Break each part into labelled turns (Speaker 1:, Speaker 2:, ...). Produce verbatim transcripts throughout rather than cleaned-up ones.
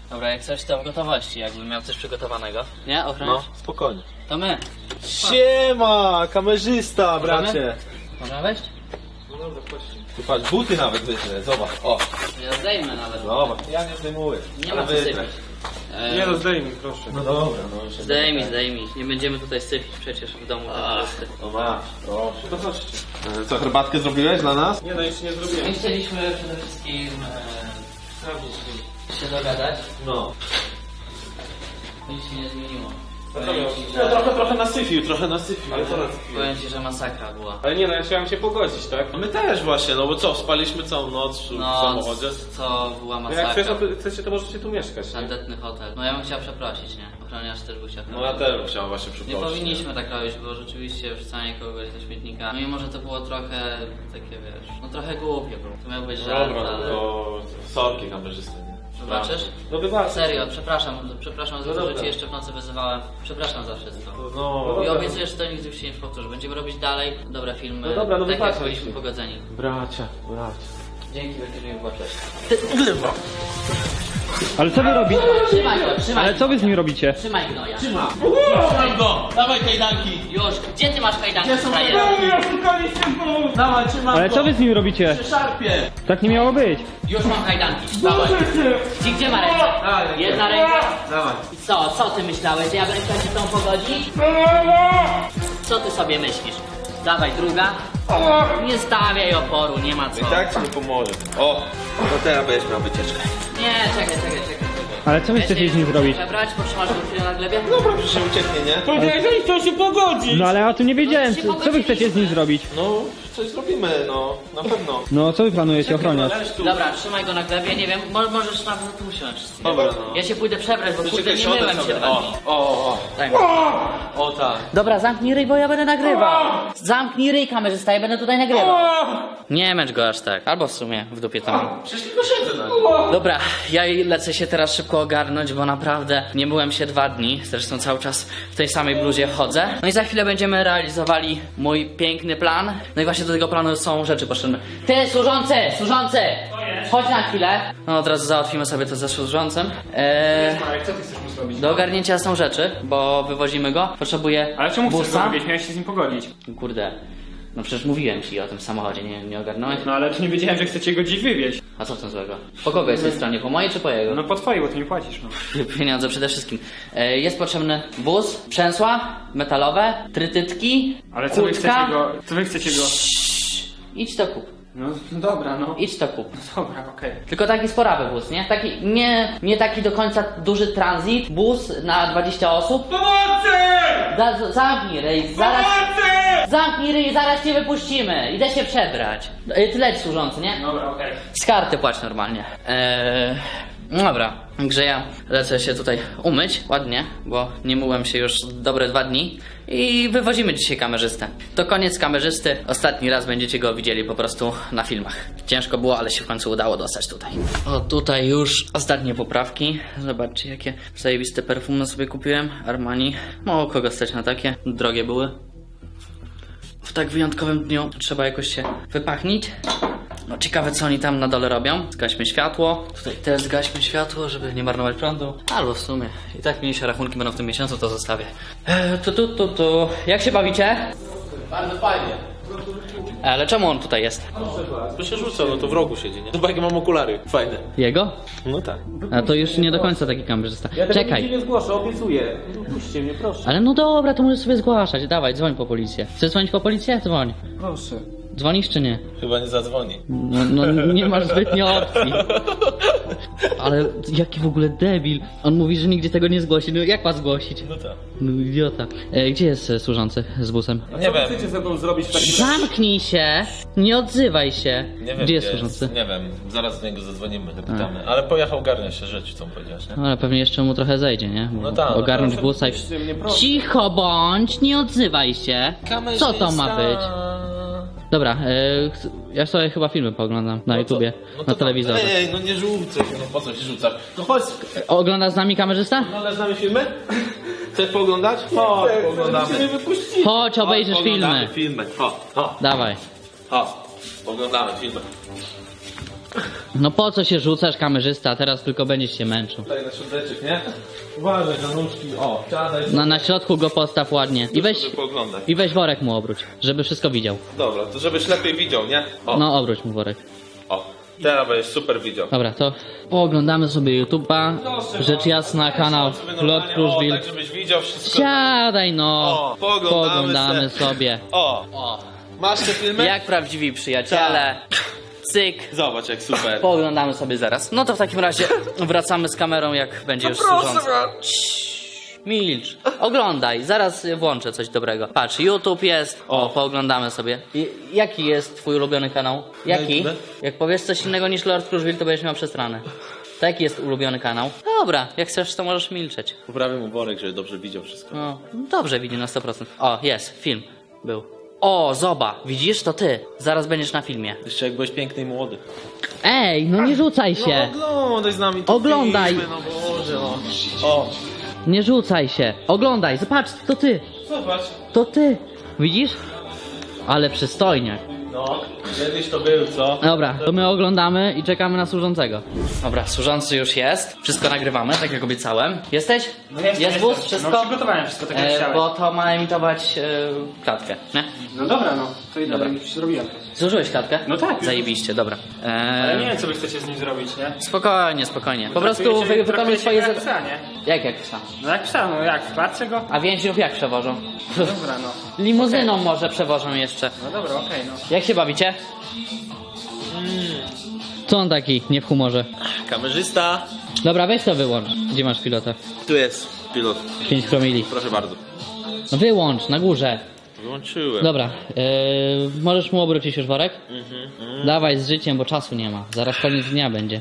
Speaker 1: Dobra, jak coś to w gotowości, jakbym miał coś przygotowanego. Nie, ochroniarz?
Speaker 2: No, spokojnie.
Speaker 1: To my.
Speaker 2: Siema, kamerzysta, bracie.
Speaker 1: Można wejść?
Speaker 2: No dobra, chodźcie. Tu patrz, buty nawet wytrę, zobacz, o.
Speaker 1: Ja zdejmę nawet.
Speaker 2: Zobacz, ja nie zdejmuję.
Speaker 1: Nie ma co sypić.
Speaker 3: Nie no, zdejmij, proszę.
Speaker 2: No dobra, no.
Speaker 1: Zdejmij, zdejmij. Nie będziemy tutaj sypić przecież w domu.
Speaker 2: No masz, proszę. To chodźcie. Co, herbatkę zrobiłeś dla nas?
Speaker 3: Nie no, jeszcze nie zrobiłem.
Speaker 1: My chcieliśmy przede wszystkim e, się dogadać.
Speaker 2: No.
Speaker 1: Nic się nie zmieniło.
Speaker 3: Powiem ci,
Speaker 2: No trochę, trochę nasyfił, trochę nasyfił.
Speaker 3: Ale co nasypiłem?
Speaker 1: Powiem ci, że masakra była.
Speaker 3: Ale nie no, ja chciałem się pogodzić, tak?
Speaker 2: No my też właśnie, no bo co, spaliśmy całą noc w
Speaker 1: No,
Speaker 2: samochodzie?
Speaker 1: co była
Speaker 3: No jak
Speaker 1: masakra.
Speaker 3: chcesz, to, chcecie, to możecie tu mieszkać, nie?
Speaker 1: Tandetny hotel. No ja bym chciał przeprosić, nie? Ochroniarz też by chciał
Speaker 2: No ja też bym chciał właśnie
Speaker 1: Nie
Speaker 2: przeprosić.
Speaker 1: powinniśmy tak robić, bo rzeczywiście wrzucanie kogoś do śmietnika. No mimo, że to było trochę takie, wiesz, no trochę głupie było. To miał być żart,
Speaker 2: Dobra,
Speaker 1: ale...
Speaker 2: to sorki kamerzysty, nie?
Speaker 1: Wybaczysz?
Speaker 3: No wybacz.
Speaker 1: Serio, przepraszam, przepraszam za
Speaker 3: No
Speaker 1: to, że
Speaker 3: dobra.
Speaker 1: cię jeszcze w nocy wyzywałem. Przepraszam za wszystko.
Speaker 2: No,
Speaker 1: I obiecuję, że to nigdy już się nie powtórzy. Będziemy robić dalej dobre filmy,
Speaker 3: No dobra, no
Speaker 1: tak jak
Speaker 3: wybaczaj
Speaker 1: byliśmy
Speaker 3: się.
Speaker 1: pogodzeni.
Speaker 2: bracia, bracia.
Speaker 1: Dzięki wielkie, że mi wybaczyłeś.
Speaker 4: Ale co wy robicie?
Speaker 1: Trzymaj go, trzymaj
Speaker 4: Ale co wy z nim robicie?
Speaker 1: Trzymaj gnoja.
Speaker 2: Trzyma!
Speaker 1: Trzymaj go!
Speaker 2: Dawaj kajdanki!
Speaker 1: Już! Gdzie ty masz kajdanki, frajerze?
Speaker 2: Dawaj, trzymam
Speaker 4: Ale
Speaker 2: go!
Speaker 4: co wy z nim robicie?
Speaker 2: Szarpie!
Speaker 4: Tak nie miało być.
Speaker 1: Już mam kajdanki. Dawaj. Gdzie, gdzie ma ręce? Jedna ręka.
Speaker 2: Dawaj.
Speaker 1: Co, co ty myślałeś, że ja będę chciał się z tą pogodzić? Co ty sobie myślisz? Dawaj, druga. Nie stawiaj oporu, nie ma co.
Speaker 2: I tak ci nie pomoże. O, to teraz będziesz miał wycieczkę.
Speaker 1: Nie, czekaj, czekaj, czekaj. czekaj.
Speaker 4: Ale co wy chcecie z nim zrobić?
Speaker 1: Przebrać, potrzymasz go chwilę na glebie?
Speaker 2: Dobra, przecież się ucieknie, nie?
Speaker 3: Powiedziałeś, że chcą się pogodzić!
Speaker 4: No ale ja o tym nie wiedziałem.
Speaker 1: się
Speaker 4: Co, co wy chcecie z nim zrobić?
Speaker 2: No, coś zrobimy, no, na pewno.
Speaker 4: No co wy planujecie, ochroniarz?
Speaker 2: Leż tu.
Speaker 1: Dobra, trzymaj go na glebie, nie wiem, mo możesz nawet tu usiąść.
Speaker 2: Dobra, no.
Speaker 1: Ja się pójdę przebrać, bo kurde nie
Speaker 2: siądę
Speaker 1: myłem się
Speaker 2: sobie.
Speaker 1: dwa
Speaker 2: O,
Speaker 1: dni.
Speaker 2: o, o,
Speaker 1: Daj mi.
Speaker 2: o, tak.
Speaker 1: Dobra, zamknij ryj, bo ja będę nagrywał. Zamknij ryj, kamerzysta, ja będę tutaj nagrywał. Nie męcz go aż tak. Albo w sumie w dupie to mam.
Speaker 2: Przecież tylko siedzę na nim.
Speaker 1: Dobra, ja lecę się teraz szybko ogarnąć, bo naprawdę nie byłem się dwa dni. Zresztą cały czas w tej samej bluzie chodzę. No i za chwilę będziemy realizowali mój piękny plan. No i właśnie do tego planu są rzeczy potrzebne. Ty, służący, służący! Chodź na chwilę. No od razu załatwimy sobie to ze służącym. Eee,
Speaker 3: Marek, co ty chcesz mu zrobić?
Speaker 1: do ogarnięcia są rzeczy, bo wywozimy go. Potrzebuję
Speaker 3: Ale czemu chcesz go
Speaker 1: busa.
Speaker 3: robić? Miałeś się z nim pogodzić.
Speaker 1: Kurde, no przecież mówiłem ci o tym samochodzie, nie, nie ogarnąłeś?
Speaker 3: No ale to nie wiedziałem, że chcecie go dziś wywieźć.
Speaker 1: A co w tym złego? Po kogo jest tej stronie? Po mojej czy po jego?
Speaker 3: No po twojej, bo ty mi płacisz, no.
Speaker 1: Pieniądze przede wszystkim. E, jest potrzebny wóz, przęsła metalowe, trytytki,
Speaker 3: Ale co wy
Speaker 1: kłódka.
Speaker 3: chcecie go... Co wy chcecie go...
Speaker 1: Idź to kup.
Speaker 3: No dobra, no.
Speaker 1: Idź to kup.
Speaker 3: Dobra, okej.
Speaker 1: Tylko taki sporawy wóz, nie? Taki, nie, nie taki do końca duży transit, bus na dwadzieścia osób.
Speaker 3: Pomocy!
Speaker 1: Da, zamknij ryj, zaraz...
Speaker 3: Pomocy!
Speaker 1: Zamknij ryj, zaraz cię wypuścimy. Idę się przebrać. E, Ty leć służący, nie?
Speaker 3: Dobra, okej.
Speaker 1: Z karty płać normalnie. Eee, no dobra, także ja lecę się tutaj umyć ładnie, bo nie myłem się już dobre dwa dni i wywozimy dzisiaj kamerzystę. To koniec kamerzysty, ostatni raz będziecie go widzieli po prostu na filmach. Ciężko było, ale się w końcu udało dostać tutaj. O, tutaj już ostatnie poprawki. Zobaczcie, jakie zajebiste perfumy sobie kupiłem. Armani. Mało kogo stać na takie, drogie były. W tak wyjątkowym dniu trzeba jakoś się wypachnić. No ciekawe co oni tam na dole robią. Zgaśmy światło. Tutaj też zgaśmy światło, żeby nie marnować prądu. Albo w sumie i tak mniejsze rachunki będą w tym miesiącu, to zostawię. Eee, tu, tu, tu, tu. Jak się bawicie?
Speaker 2: Bardzo fajnie.
Speaker 1: Ale czemu on tutaj jest?
Speaker 2: To się rzuca, no to w rogu siedzi, nie? Zobacz, jakie mam okulary, fajne.
Speaker 1: Jego?
Speaker 2: No tak.
Speaker 1: A to już nie do końca taki kamerzysta. Czekaj.
Speaker 3: nie zgłoszę, obiecuję. Puśćcie mnie, proszę.
Speaker 1: Ale no dobra, to możesz sobie zgłaszać. Dawaj, dzwoń po policję. Chcesz dzwonić po policję? Dzwoń.
Speaker 3: Proszę.
Speaker 1: Dzwonisz czy nie?
Speaker 2: Chyba nie zadzwoni.
Speaker 1: No, no nie masz zbytnio opcji. Ale jaki w ogóle debil. On mówi, że nigdzie tego nie zgłosi. No jak ma zgłosić?
Speaker 2: No tak.
Speaker 1: No idiota. E, gdzie jest e, służący z busem?
Speaker 2: Nie wiem.
Speaker 3: chcecie ze mną zrobić w takim
Speaker 1: Zamknij się! Nie odzywaj się!
Speaker 2: Nie wiem,
Speaker 1: Gdzie jest służący?
Speaker 2: Nie wiem, zaraz do niego zadzwonimy, dopytamy. Ale pojechał ogarnia się rzeczy, co mu powiedziałeś, nie?
Speaker 1: No, ale pewnie jeszcze mu trochę zejdzie, nie?
Speaker 2: No tak, no
Speaker 1: Ogarnąć
Speaker 2: proszę,
Speaker 1: busa i...
Speaker 3: puśćcie mnie, proszę.
Speaker 1: Cicho bądź! Nie odzywaj się! Co to ma być? Dobra, e, ch- ja sobie chyba filmy pooglądam na YouTubie,
Speaker 2: No
Speaker 1: na
Speaker 2: to
Speaker 1: telewizorze.
Speaker 2: Ej, ej, no nie rzucaj, no po co się rzucasz? No chodź,
Speaker 1: Oglądasz z nami kamerzysta?
Speaker 2: oglądasz z nami filmy? Chcesz pooglądać? Chodź, pooglądamy.
Speaker 1: Chodź, obejrzysz
Speaker 2: Chodź,
Speaker 1: filmy.
Speaker 2: pooglądamy filmy. Chodź, chodź,
Speaker 1: Dawaj.
Speaker 2: chodź, oglądamy filmy.
Speaker 1: No po co się rzucasz, kamerzysta? Teraz tylko będziesz się męczył.
Speaker 2: Tutaj na środeczek, nie? Uważaj na nóżki. O, siadaj.
Speaker 1: No na środku go postaw ładnie. I weź,
Speaker 2: Sobie pooglądaj.
Speaker 1: i weź worek mu obróć, żeby wszystko widział.
Speaker 2: Dobra, to żebyś lepiej widział, nie? O,
Speaker 1: No obróć mu worek.
Speaker 2: o. Teraz będziesz super widział.
Speaker 1: Dobra, to pooglądamy sobie YouTube'a. Rzecz jasna, kanał Lot
Speaker 2: O,
Speaker 1: Kruszwil.
Speaker 2: tak żebyś widział wszystko.
Speaker 1: Siadaj no!
Speaker 2: O, pooglądamy
Speaker 1: Pooglądamy
Speaker 2: se.
Speaker 1: sobie.
Speaker 2: O,
Speaker 1: O,
Speaker 2: masz te filmy?
Speaker 1: jak prawdziwi przyjaciele. Cyk.
Speaker 2: Zobacz jak super.
Speaker 1: Pooglądamy sobie zaraz. No to w takim razie wracamy z kamerą, jak będzie już służący. Ciii, Milcz. Oglądaj, zaraz włączę coś dobrego. Patrz, YouTube jest. O,
Speaker 2: O.
Speaker 1: pooglądamy sobie. I, jaki jest twój ulubiony kanał? Jaki?
Speaker 2: YouTube?
Speaker 1: Jak powiesz coś innego niż Lord Kruszwil, to będziesz miał przestranę. To jaki jest ulubiony kanał? Dobra, jak chcesz, to możesz milczeć.
Speaker 2: Poprawię mu worek, żeby dobrze widział wszystko.
Speaker 1: No, dobrze widzi na sto procent. O, jest, film. Był. O, zoba, widzisz? To ty. Zaraz będziesz na filmie.
Speaker 2: Jeszcze jak byłeś piękny i młody.
Speaker 1: Ej, no nie rzucaj się.
Speaker 2: No oglądaj z nami te
Speaker 1: Oglądaj.
Speaker 2: filmy, no Boże, no. O,
Speaker 1: Nie rzucaj się. Oglądaj, zobacz, to ty.
Speaker 2: zobacz.
Speaker 1: To ty. Widzisz? Ale przystojnie.
Speaker 2: No, kiedyś to był, co?
Speaker 1: Dobra, to my oglądamy i czekamy na służącego. Dobra, służący już jest. Wszystko nagrywamy, tak jak obiecałem. Jesteś?
Speaker 3: No jestem,
Speaker 1: jest
Speaker 3: jestem.
Speaker 1: wóz? Wszystko?
Speaker 3: No przygotowałem wszystko, tak jak
Speaker 1: E,
Speaker 3: chciałeś.
Speaker 1: bo to ma emitować e, klatkę, nie?
Speaker 3: No dobra, no. To idę,
Speaker 1: Dobra.
Speaker 3: już zrobiłem.
Speaker 1: Zużyłeś klatkę?
Speaker 3: No tak.
Speaker 1: Zajebiście, dobra. E,
Speaker 3: Ale nie wiem, co wy chcecie z nim zrobić, nie?
Speaker 1: Spokojnie, spokojnie. Po prostu
Speaker 3: Traktujecie-
Speaker 1: wy, wykonuj
Speaker 3: traktujecie
Speaker 1: swoje
Speaker 3: go jak
Speaker 1: zadanie.
Speaker 3: psa, nie?
Speaker 1: Jak jak psa?
Speaker 3: No jak psa, no jak, w klatce go?
Speaker 1: A więźniów jak przewożą?
Speaker 3: Dobra, no.
Speaker 1: Limuzyną może przewożą jeszcze.
Speaker 3: No dobra, okej, no.
Speaker 1: Jak się bawicie? Co on taki, nie w humorze?
Speaker 2: Kamerzysta.
Speaker 1: Dobra, weź to wyłącz. Gdzie masz pilota?
Speaker 2: Tu jest pilot.
Speaker 1: pięć promili.
Speaker 2: Proszę bardzo.
Speaker 1: No wyłącz, na górze.
Speaker 2: Wyłączyłem.
Speaker 1: Dobra, yy, możesz mu obrócić już worek? Dawaj z życiem, bo czasu nie ma. Zaraz koniec dnia będzie.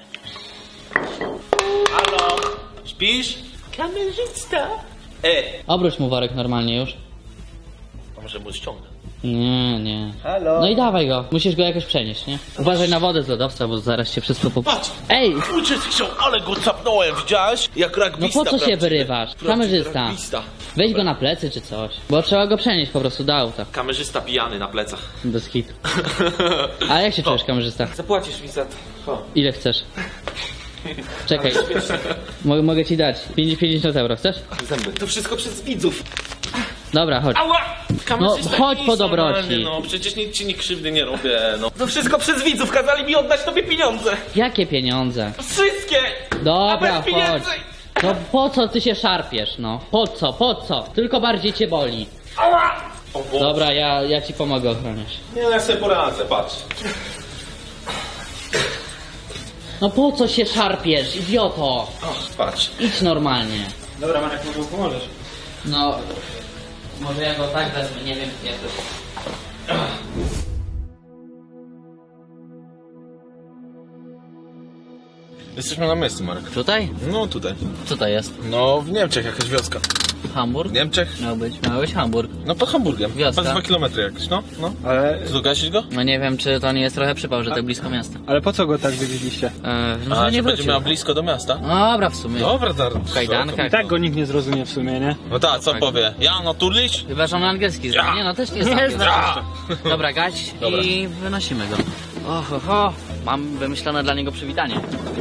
Speaker 2: Halo? Śpisz? Kamerzysta. E,
Speaker 1: Obróć mu worek normalnie już.
Speaker 2: a może mu ściągnę?
Speaker 1: Nie, nie.
Speaker 2: Halo?
Speaker 1: No i dawaj go. Musisz go jakoś przenieść, nie? Uważaj na wodę z lodowca, bo zaraz się wszystko pop...
Speaker 2: Patrz!
Speaker 1: Ej!
Speaker 2: Uciec chciał, ale go capnąłem, widziałeś? Jak
Speaker 1: No
Speaker 2: rugbista.
Speaker 1: po co się
Speaker 2: prawdziwy.
Speaker 1: wyrywasz?
Speaker 2: Prawdziwy
Speaker 1: Kamerzysta.
Speaker 2: rugbista.
Speaker 1: Weź go na plecy czy coś. Bo trzeba go przenieść po prostu do auta.
Speaker 2: Kamerzysta pijany na plecach.
Speaker 1: Bez hitu. A jak się czujesz, kamerzysta?
Speaker 2: Zapłacisz mi za to.
Speaker 1: Ile chcesz? Czekaj. Mogę, mogę ci dać. pięćdziesiąt euro, chcesz?
Speaker 2: Zęby. To wszystko przez widzów.
Speaker 1: Dobra, chodź.
Speaker 2: Ała! Kamerzysta
Speaker 1: No, chodź
Speaker 2: nic
Speaker 1: po dobroci.
Speaker 2: normalnie, No, przecież nic ci nie krzywdy nie robię, no. To wszystko przez widzów, kazali mi oddać tobie pieniądze.
Speaker 1: Jakie pieniądze?
Speaker 2: Wszystkie!
Speaker 1: Dobra,
Speaker 2: A bez
Speaker 1: chodź.
Speaker 2: pieniędzy!
Speaker 1: No po co ty się szarpiesz, no? Po co, po co? Tylko bardziej cię boli.
Speaker 2: Ała! O Boże.
Speaker 1: Dobra, ja, ja ci pomogę ochroniać.
Speaker 2: Nie, no ja sobie poradzę, patrz.
Speaker 1: No po co się szarpiesz, idioto?
Speaker 2: O, patrz.
Speaker 1: Idź normalnie.
Speaker 3: Dobra, Marek, może mu pomożesz.
Speaker 1: No, może ja go tak wezmę, nie wiem jak to...
Speaker 2: Jesteśmy na miejscu, Marek.
Speaker 1: Tutaj?
Speaker 2: No tutaj.
Speaker 1: Co to jest?
Speaker 2: No w Niemczech jakaś wioska.
Speaker 1: Hamburg?
Speaker 2: W Niemczech?
Speaker 1: Miał być, miał być Hamburg.
Speaker 2: No pod Hamburgiem.
Speaker 1: Wioska.
Speaker 2: Chyba z dwa kilometry jakieś, no. no.
Speaker 4: Ale,
Speaker 2: Co, gasić go?
Speaker 1: No nie wiem, czy to nie jest trochę przypał, że tak blisko miasta.
Speaker 4: ale po co go tak wywieźliście?
Speaker 1: Eee, no,
Speaker 2: A,
Speaker 1: że nie
Speaker 2: że będzie
Speaker 1: wrócił.
Speaker 2: miał blisko do miasta?
Speaker 1: Dobra, w sumie.
Speaker 2: Dobra, dar.
Speaker 1: W kajdankach.
Speaker 4: I tak go nikt nie zrozumie w sumie, nie?
Speaker 2: No tak, co powie? Ja, no turliś?
Speaker 1: Chyba, że on angielski zna.
Speaker 2: Ja.
Speaker 1: Nie no, też nie
Speaker 4: Nie
Speaker 1: znam.
Speaker 4: znam.
Speaker 2: Ja!
Speaker 1: Dobra, gaś
Speaker 2: Dobra.
Speaker 1: i wynosimy go. Och, och, och. Mam wymyślone dla niego przywitanie.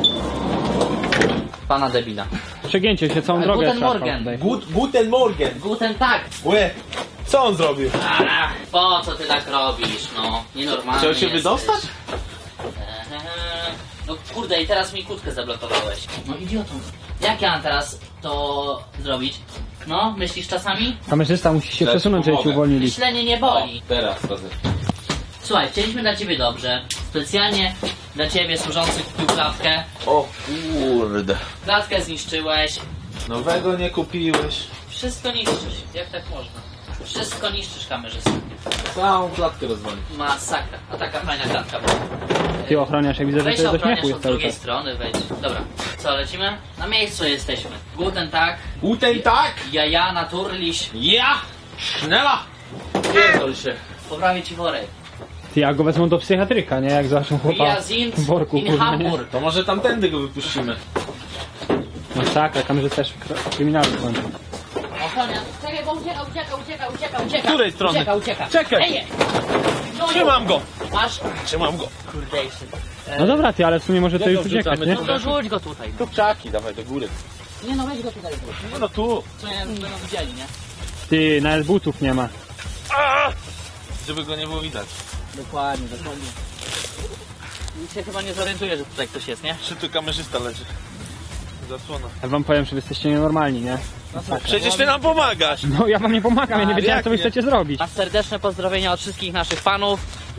Speaker 1: Pana debila.
Speaker 4: Przegięcie się całą
Speaker 1: Ale
Speaker 4: drogę
Speaker 1: Guten
Speaker 4: szarpał
Speaker 1: Morgen.
Speaker 4: tutaj.
Speaker 2: Gut, guten Morgen.
Speaker 1: Guten tak.
Speaker 2: Łe, co on zrobił?
Speaker 1: Ach, po co ty tak robisz, no? Nienormalnie
Speaker 2: Chciał się
Speaker 1: jesteś.
Speaker 2: wydostać?
Speaker 1: Eee, No kurde, i teraz mi kłódkę zablokowałeś. No idiotą. Jak ja mam teraz to zrobić? No, myślisz czasami?
Speaker 4: Kamerzysta musi się
Speaker 2: Dać
Speaker 4: przesunąć, żeby ci
Speaker 2: pomogę.
Speaker 4: uwolnili.
Speaker 1: Myślenie nie boli.
Speaker 2: Teraz, razy.
Speaker 1: Słuchaj, chcieliśmy dla ciebie dobrze. Specjalnie dla ciebie służący kupił klatkę.
Speaker 2: O kurde.
Speaker 1: Klatkę zniszczyłeś.
Speaker 2: Nowego nie kupiłeś.
Speaker 1: Wszystko niszczysz. Jak tak można? Wszystko niszczysz, kamerzysta.
Speaker 2: Całą klatkę rozwalił.
Speaker 1: Masakra. A taka fajna klatka była.
Speaker 4: Ty ochroniasz, ja widzę, że
Speaker 1: Weź
Speaker 4: to do
Speaker 1: ochroniarz
Speaker 4: śmiechu
Speaker 1: od
Speaker 4: jest cały
Speaker 1: drugiej
Speaker 4: czas.
Speaker 1: strony, wejdź. Dobra. Co, lecimy? Na miejscu jesteśmy. Guten tak.
Speaker 2: Guten tak!
Speaker 1: Jaja, naturliś.
Speaker 2: Ja! Schnella! Pierdol się.
Speaker 1: Poprawię ci worek.
Speaker 4: Ty, ja go wezmą do psychiatryka, nie? Jak zobaczą chłopa
Speaker 1: Wir sind
Speaker 4: w worku,
Speaker 1: in
Speaker 4: kurwa, nie?
Speaker 1: Hamburg.
Speaker 2: To może tamtędy go wypuścimy.
Speaker 4: Masakra, kamerzysta jest kr- kryminalny w końcu.
Speaker 1: Ochroniarz. Czekaj, bo ucieka, ucieka, ucieka, ucieka, ucieka.
Speaker 2: Z której strony?
Speaker 1: Ucieka, ucieka.
Speaker 2: Czekaj.
Speaker 1: Ej, no,
Speaker 2: Trzymam go!
Speaker 1: masz.
Speaker 2: Trzymam go.
Speaker 1: Kurde, jeszcze.
Speaker 4: No dobra ty, ale w sumie może to
Speaker 2: Jak
Speaker 4: już
Speaker 2: go
Speaker 4: uciekać,
Speaker 2: wrzucamy,
Speaker 4: nie?
Speaker 2: to
Speaker 1: No to rzuć go tutaj.
Speaker 2: Tu pczaki, dawaj do góry.
Speaker 1: Nie no, weź go tutaj.
Speaker 2: No, no tu.
Speaker 1: Co nie będą widzieli, nie?
Speaker 4: Ty, nawet butów nie ma.
Speaker 2: Żeby go nie było widać.
Speaker 1: Dokładnie, dokładnie. Nikt się chyba nie zorientuje, że tutaj ktoś jest, nie?
Speaker 2: Czy tu kamerzysta leży? Zasłona.
Speaker 4: Ja wam powiem, że wy jesteście nienormalni, nie?
Speaker 2: Przecież ty nam pomagasz!
Speaker 4: No ja wam nie pomagam, ja nie
Speaker 2: A,
Speaker 4: wiedziałem
Speaker 2: jak
Speaker 4: co wy
Speaker 2: nie?
Speaker 4: chcecie zrobić.
Speaker 1: A serdeczne pozdrowienia od wszystkich naszych fanów.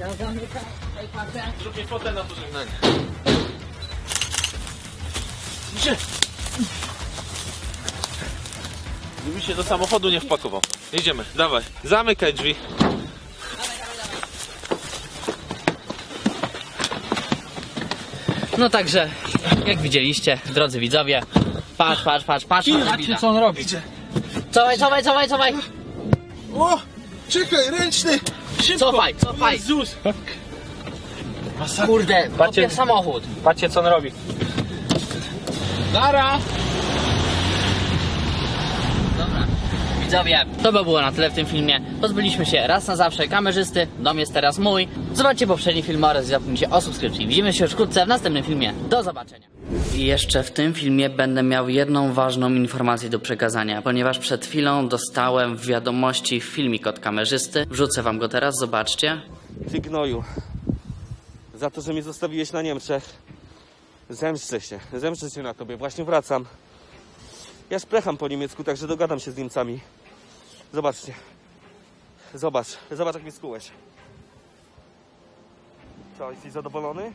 Speaker 2: Zrób mi fotę na pożegnanie. Gdyby się do samochodu nie wpakował. Jedziemy, dawaj. Zamykaj drzwi.
Speaker 1: No także, jak widzieliście, drodzy widzowie, patrz, patrz, patrz, patrz, patrz,
Speaker 4: Co on robi?
Speaker 1: cofaj, cofaj, cofaj, cofaj,
Speaker 2: O! Czekaj, ręczny! Szybko!
Speaker 1: cofaj, cofaj,
Speaker 2: Jezus!
Speaker 1: kurde, kopie samochód.
Speaker 4: Patrzcie co on robi.
Speaker 2: Dara!
Speaker 1: Dobra, widzowie, to by było na tyle w tym filmie. Pozbyliśmy się raz na zawsze kamerzysty, dom jest teraz mój. Zobaczcie poprzedni film oraz zapomnijcie o subskrypcji. Widzimy się już wkrótce w następnym filmie. Do zobaczenia. I jeszcze w tym filmie będę miał jedną ważną informację do przekazania, ponieważ przed chwilą dostałem w wiadomości filmik od kamerzysty. Wrzucę wam go teraz, zobaczcie.
Speaker 5: Ty gnoju, za to, że mnie zostawiłeś na Niemczech, zemszczę się, zemszczę się na tobie, właśnie wracam. Ja szplecham po niemiecku, także dogadam się z Niemcami. Zobaczcie, zobacz, zobacz jak mnie skułeś. Co, jesteś zadowolony?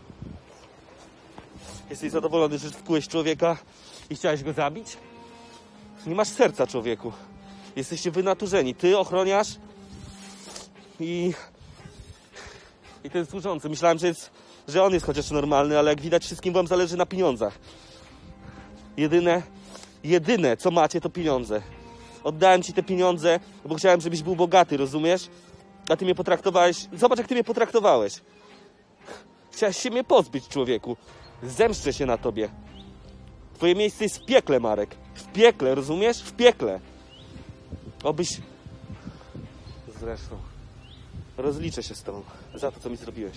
Speaker 5: Jesteś zadowolony, że wkułeś człowieka i chciałeś go zabić? Nie masz serca, człowieku. Jesteście wynaturzeni, ty, ochroniarz i... I ten służący. Myślałem, że, jest, że on jest chociaż normalny, ale jak widać wszystkim wam zależy na pieniądzach. Jedyne, jedyne co macie to pieniądze. Oddałem ci te pieniądze, bo chciałem, żebyś był bogaty, rozumiesz? A ty mnie potraktowałeś... Zobacz jak ty mnie potraktowałeś. Chciałeś się mnie pozbyć, człowieku. Zemszczę się na tobie. Twoje miejsce jest w piekle, Marek. W piekle, rozumiesz? W piekle. Obyś... Zresztą... Rozliczę się z tobą za to, co mi zrobiłeś.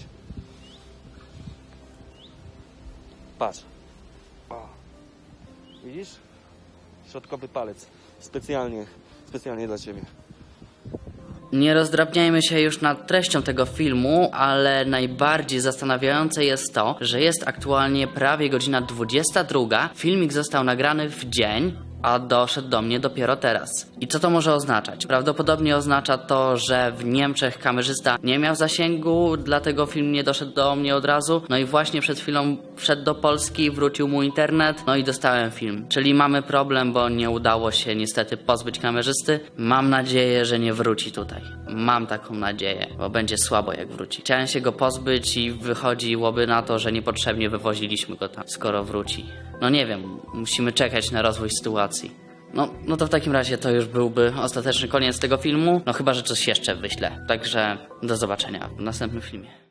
Speaker 5: Patrz. O. Widzisz? Środkowy palec. Specjalnie, specjalnie dla ciebie.
Speaker 1: Nie rozdrabniajmy się już nad treścią tego filmu, ale najbardziej zastanawiające jest to, że jest aktualnie prawie godzina dwudziesta druga. Filmik został nagrany w dzień, a doszedł do mnie dopiero teraz. I co to może oznaczać? Prawdopodobnie oznacza to, że w Niemczech kamerzysta nie miał zasięgu, dlatego film nie doszedł do mnie od razu. No i właśnie przed chwilą wszedł do Polski, wrócił mu internet, no i dostałem film. Czyli mamy problem, bo nie udało się niestety pozbyć kamerzysty. Mam nadzieję, że nie wróci tutaj. Mam taką nadzieję, bo będzie słabo jak wróci. Chciałem się go pozbyć i wychodziłoby na to, że niepotrzebnie wywoziliśmy go tam, skoro wróci. No nie wiem, musimy czekać na rozwój sytuacji. No, no to w takim razie to już byłby ostateczny koniec tego filmu. No chyba, że coś jeszcze wyślę. Także do zobaczenia w następnym filmie.